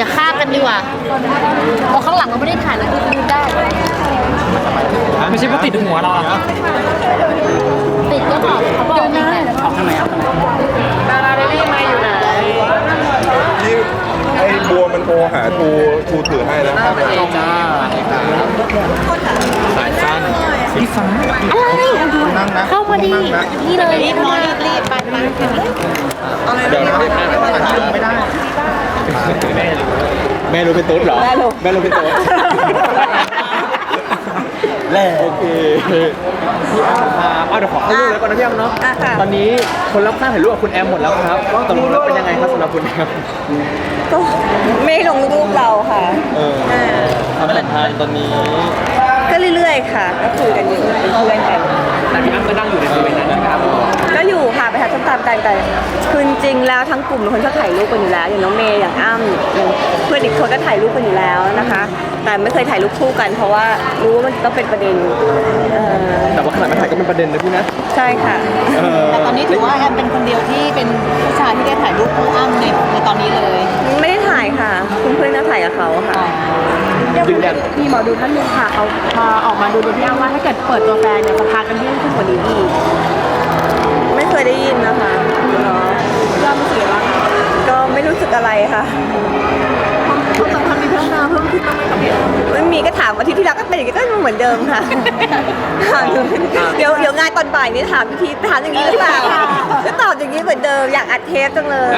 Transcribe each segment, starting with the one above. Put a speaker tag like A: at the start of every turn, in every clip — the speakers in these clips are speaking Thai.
A: อย่าฆ่ากันดีกว่าเพราะข้างหลังเราไม่ได้ถ่ายแล้วดูได้
B: ไม่ใช่ว่าติดหัวเราอะ
A: ติดก็บอกเขาบอกได้
B: เอาข้างไหนเอาข้างไหนดาราเรลลี่มาอยู่ไหน
C: นี่ไอ้บัวมันโทรหาทูถือให้แล้ว
B: จ้าสายสั้นสีฟ้า
A: อะไรเข้ามาดีนี่เลยรีบไป
C: เดี๋ยวนะไม่ได้แม่รู้เป็นตุ๊ดเหรอแม่รู้เป็นตุ๊ดแล้วโอเคเดี๋ยวขอเข้ารูปแล้วก่อนนะพี่แอมเนาะตอนนี้คนรับค่าถ่ายรูปกับคุณแอมหมดแล้วครับตกลงแล้วเป็นยังไงครับสำหรับคุณแอม
D: ก็ไม่ลงรูปเราค่ะ
C: ความสัมพันธ์ตอนนี้
D: ก็เรื่อยๆค่ะ ก็คุยกันอยู่เป็นเพื่อนกัน
B: แต่พี่อ้ำก็นั่งอยู่ในบริเวณนั้นนะครับ
D: ก็อยู่ค่ะไปหาส้มตำกันแต่คือจริงๆแล้วทั้งกลุ่มเป็นคนชอบถ่ายรูปกันอยู่แล้วอย่างน้องเมย์อย่างอ้ำอย่างเพื่อนอีกคนก็ถ่ายรูปกันอยู่แล้วนะคะ แต่ไม่เคยถ่ายรูปคู่กัน เพราะว่ารู้ว่ามันต้องเป็นประเด็น
C: แต่ว่าขนาดมาถ่ายก็เป็นประเด็นนะพี่นะ
D: ใช่ค่ะ
A: แต่ตอนนี้ถือว่าแอมเป็นคนเดียวที่เป็นผู้ชายที่ได้ถ่ายรูปคู่อ้ำในตอนนี้เลย
D: ไม่ได้ถ่ายค่ะเพื่อนๆน่าถ่ายกับเขาค่ะ
C: ยืนยัน
E: มีหมอดูท่านหนึ่งค่ะเขามาออกมาดูพี่อ้ำว่าถ้าเกิดเปิดตัวแฟนเนี่ยจะพากันยิ่งขึ้นกว่านี้อีก
D: ไม่เคยได้ยินนะคะเนาะ
E: พี่อ้ำรู้สึกยังไงบ้างคะ
D: ก็ไม่รู้สึกอะไรค่ะ
E: ความสัมพันธ์มีพัฒนาเพิ่มขึ้นบ้างไหมคะพี่อ้ำ
D: ไม่มีก็ถามอาทิตย์ที่แล้วก็เป็นอย่างนี้ก็เหมือนเดิมค่ะ เดี๋ยวงานตอนบ่ายนี้ถามพี่ถามอย่างนี้หรือเปล่าก็ตอบอย่างนี้เหมือนเดิมอยากอัดเทปจังเลย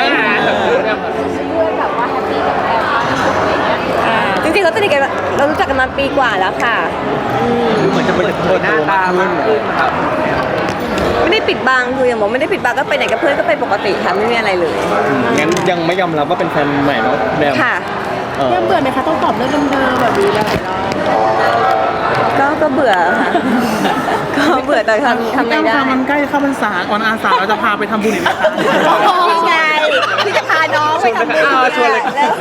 D: จริงๆเราสนิทกันเรารู้จักกันมาปีกว่าแล้วค่ะ
C: เหมือนจะเป็นคนหน้าตามากขึ้นครับ
D: ไม่ได้ปิดบังคืออย่างบอกไม่ได้ปิดบังก็ไปไหนกับเพื่อนก็ไปปกติค่ะไม่มีอะไรเลย
C: งั้นยังไม่ยอมรับว่าเป็นแฟนใหม่เนาะแบม
D: ค่ะ
E: พี่อ้ำเบื่อไหมคะต้องตอบเรื่องเดิมๆแบบนี้หลายรอบ
D: ก็เบื่อค่ะ ก็เบื่อแต่ทำไม่ได้
B: มันใกล้เข้าพรรษาก่อนอาสาเราจะพาไปทำบุญอีกไหมคะ
D: นี่ไงพี่จะพาน้องไปทำบุญ
C: ชวนเลย
D: แล้ว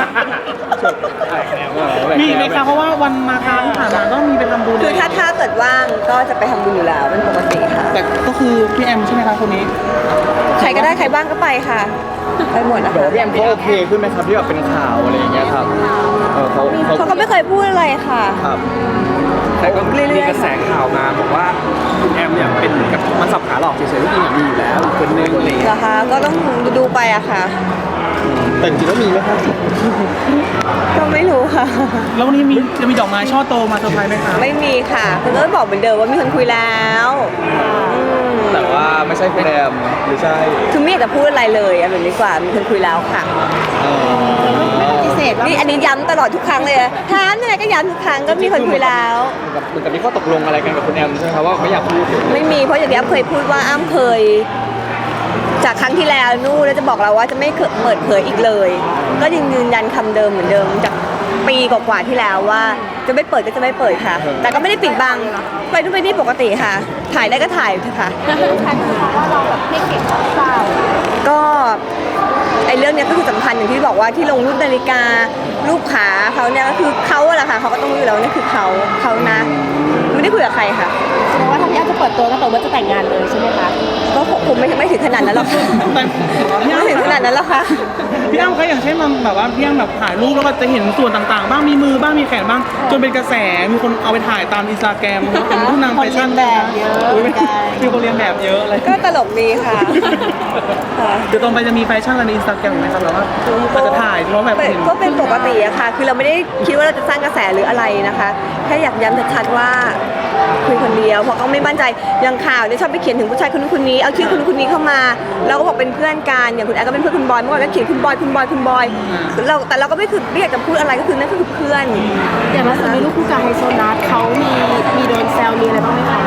B: มีไหมคะเพราะว่าวันมาคาที่ผ่านมาต้องมีไปทำบุญ
D: คือถ้าเกิดว่างก็จะไปทำบุญอยู่แล้วเป็นปกติค่ะ
B: แต่ก็คือพี่แอมใช่ไหมคะคนนี้
D: ใครก็ได้ใครบ้างก็ไปค่ะ ไปหมดนะ
C: เดี๋ยว
D: คะ
C: พี่แอมเขาโอเคขึ้นไหมครับที่แบบเป็นข่าวอะไรอย่างเงี้ยครับเขา
D: เขาก็ไม่เคยพูดอะไรค่ะ
C: ครับ
F: แต่ก็
D: เรื่อยๆ
F: มีกระแสข่าวมาบอกว่าคุณแอมเนี่ยเป็นเหมือนกับมันสับขาหลอกเฉยๆที่จริงอะมีอยู่แล้วคนนึงอะไรอย่าง
D: เหร
F: เงี้ย
D: อคะก็ต้องดูไปอะค่ะ
C: แต่จริงๆก็มีไหมครับ
D: ก็ไม่รู้ค่ะ
B: แล้ววันนี้จะมีดอกไม้ช่อโตมาเซอร์ไพรส์ไหมคะ
D: ไม่มีค่ะคือก็บอกเหมือนเดิมว่ามีคนคุยแล้วม
C: แต่ว่าไม่ใช่คุณแอมหรือใช่
D: คือไม่อยากจะพูดอะไรเลยเอาแบบนี้ดีกว่ามีคนคุยแล้วค่ะ
A: พิเศษ
D: นี่อันนี้ย้ำตลอดทุกครั้งเลยถามยังไงก็ย้ำทุกครั้งก็มีคนคุยแล้ว
C: เหมือนกับมีข้อตกลงอะไรกันกับคุณแอมใช่ไหมครับว่าไม่อยากพูด
D: ไม่มีเพราะอย่างที่อ้ำเคยพูดว่าอ้ำเคย จากครั้งที่แล้วนู่นแล้วจะบอกเราว่าจะไม่เปิดเผยอีกเลย ก็ยังยืนยันคำเดิมเหมือนเดิมจากปีกว่าๆที่แล้วว่าจะไม่เปิดก็จะไม่เปิดค่ะ แต่ก็ไม่ได้ปิดบังไปนู่นไปนี่ปกติค่ะ ถ่ายได้ก็ถ่ายเถอะค่ะ
A: ใครคือเพราะว่าเราแบบไม่เก็บเปล่า
D: ก็ไอ้เรื่องเนี้ยก็คือสำคัญอย่างที่บอกว่าที่ลงรูปนาฬิการูปขาเขาเนี่ยก็คือเขาอะแหละค่ะเขาก็ต้องรู้อยู่แล้วว่านี่คือเขานะไม่ได้คุยกับใครค่ะ
E: แสดงว่าถ้าพี่อ้ำจะเปิดตัวก็แปลว่าจะแต่งงานเลยใช่ไหมคะ
D: ก็คงไม่ถึงขนาดนั้นหรอกค่ะ
B: แต่พี่
D: ไม่ถึงขนาดนั้นหรอกค่ะ
B: อ้ำเขาอย่างเช่นมันแบบว่าพี่อ้ำแบบถ่ายรูปแล้วก็จะเห็นส่วนต่างๆ บ้างมีมือบ้างมีแขนบ้าง จนเป็นกระแสมีคนเอาไปถ่ายตามอินสตาแกรมเป็นผู้นำแฟชั่นแบบเยอะมีคนเรียนแบบเยอะอะไร
D: ก็ตลกดีค่ะค่ะ
B: เดี๋ยวตรงไปจะมีแฟชั่นอะไรในอินสตาแกรมไหมครับแบบว่าอาจจะถ่ายเพราะแบบเห็น
D: ก็เป็นปกติอะค่ะ คือเราไม่ได้คิดว่าเราจะสร้างกระแสหรืออะไรนะคะแค่อยากย้ำชัดๆว่าคุยคนเดียวเพราะก็ไม่มั่นใจอย่างข่าวเนี่ยชอบไปเขียนถึงผู้ชายคนนู้นคนนี้เอาชื่อคนนู้นคนนี้เข้ามาเราก็บอกเป็นเพื่อนกันอย่างคุณแอร์ก็เป็นเพื่อนคุณบอยเมื่อก่อนก็เขียนคุณบอยแต่เราก็ไม่อยากจะพูดอะไรก็คือนั่นก็คือเพื่อน
E: อย่างล่าสุดมีลูกคู่กับไฮโซนัทเขามีโดนแซวมีอะไรบ้างไหมคะ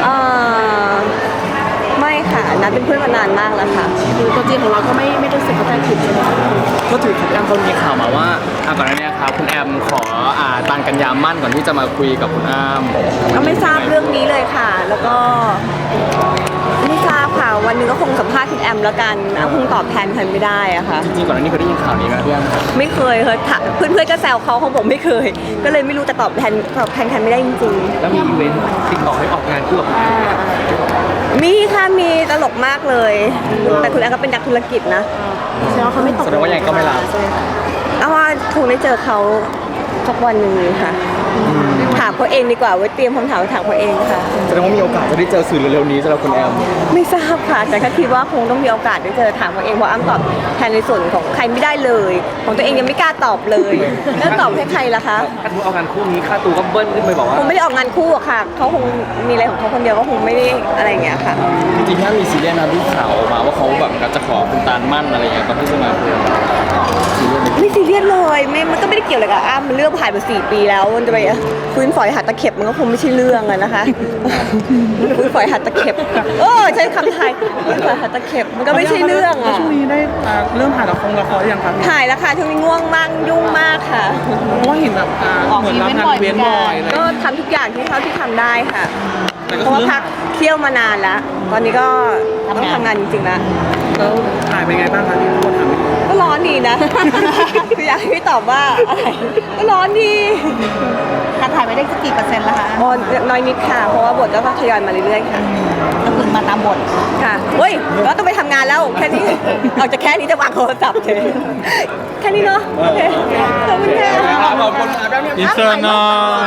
D: ไม่ค่ะนัดเป็นเพื่อนมานานมากแล้วค่ะ
E: คือตัวจริงของเราก็ไม่รู้สึกเข้าใจผิดใช่ไหมคะ
F: ก็ถือคุณแอมเขามีข่าวมาว่าก่อนหน้านี้ครับคุณแอมขอตานกันยามั่นก่อนที่จะมาคุยกับคุณอ้ำ
D: ก็ไม่ทราบเรื่องนี้เลยค่ะ แล้วก็ไม่ทราบค่ะวันหนึงก็คงสัมภาษณ์คุณแอมแล้วกันคงตอบแทนใครไม่ได้อะค่ะ
F: จริงๆก่อนหน้านี้เคยได้ยินข่าวนี้ไหมพี่อ้ำ
D: ไม่เคยเพื่อนๆก็แซวเขาบอกไม่เคย ก็เลยไม่รู้แต่ตอบแทนใครไม่ได้จริง
F: แล้วมีอีเวนต์ติดต่อให้ออกงานคู่กับคุณแอมไหมครับ
D: ๆมีค่ะมีตลกมากเลย แต่คุณแอมก็เป็นนักธุรกิจนะ
E: แสดงว่าเขาไม่ตก
F: แสดงว่ายังไงก็ไม่รับ
D: เอาว่าถูกในได้เจอเขาสักวันหนึ่งค่ะถามเขาเองดีกว่าไว้เตรียมคำถามไว้ถามเขาเองค่ะ
C: แสดงว่ามีโอกาสจะได้เจอสื่อเร็วๆนี้สำหรับคุณแอม
D: ไม่ทราบค่ะแต่ก็คิดว่าคงต้องมีโอกาสได้เจอถามเขาเองเพราะอ้ำตอบแทนในส่วนของใครไม่ได้เลย ของตัวเองยังไม่กล้าตอบเลยแล้วตอบให้ใครล่ะคะ
C: ถ้าทุกเอางานคู่นี้ค่าตัวก็เบิ้ลขึ้นไปบอกว่า
D: คงไม่ได้ออกงานคู่อะค่ะเขาคงมีอะไรของเขาคนเดียวก็คงไม่ได้อะไรอย่างเงี้ยค่ะ
F: จริงๆถ้ามีซีเรียสนะที่ข่าวออกมาว่าเขาแบบจะขอคุณตาลมั่นอะไรอย่างเงี้ยก่อนที่จะมาคุยซีเรียสไหม
D: ไม่ซีเรียสเลยมันก็ไม่ได้เกี่ยวอะไรกับอ้ำมันเรื่องผ่านมา4 ปีแล้วมันจะไปฟื้นฝอยหัดตะเข็บมันก็คงไม่ใช่เรื่องอะนะคะฟื้นฝอยหัดตะเข็บใช้คำไทยฟื้นฝอยหัดตะเข็บมันก็ไม่ใช่เรื่อง
B: แล้ว
D: อะ
B: ช่วงนี้ได้เริ่มถ่ายละครยังครับ
D: ถ่ายแล้วค่ะช่วงนี้ง่วงมากยุ่งมากค่ะ
B: เพราะว่าเห็นแบบเหมือนรับงานอีเวนต์บ่อยเลย
D: ก็ทำทุกอย่างที่เท่าที่ทำได้ค่ะ
B: แต่ก็
D: เพราะว่า
B: คือ
D: พักเที่ยวมานานแล้ว ตอนนี้ก็ต้องทำงานจริงๆแล้ว
B: แล้วถ่ายเป็นไงบ้างคะที่ทุกคนถาม
D: ก็ร้อนดีนะ คืออยากให้พี่ตอบว่าอะไรก็ร้อนดี
A: การถ่ายไปได้กี่เปอร์เซ็นต์แล้วคะ
D: อ๋อน้อยนิดค่ะ เพราะว่าบทก็ทยอยมาเรื่อยๆค่ะ
A: ก็คือมาตามบท
D: ค่ะเฮ้ยก็ต้องไปทำงานแล้วแค่นี้ ออกจากแค่นี้จะวางโทรศัพท์เลยแค่นี้เนาะโอเคขอบคุณค่ะ
C: ขอบคุณครับ
B: อินเตอร์นอ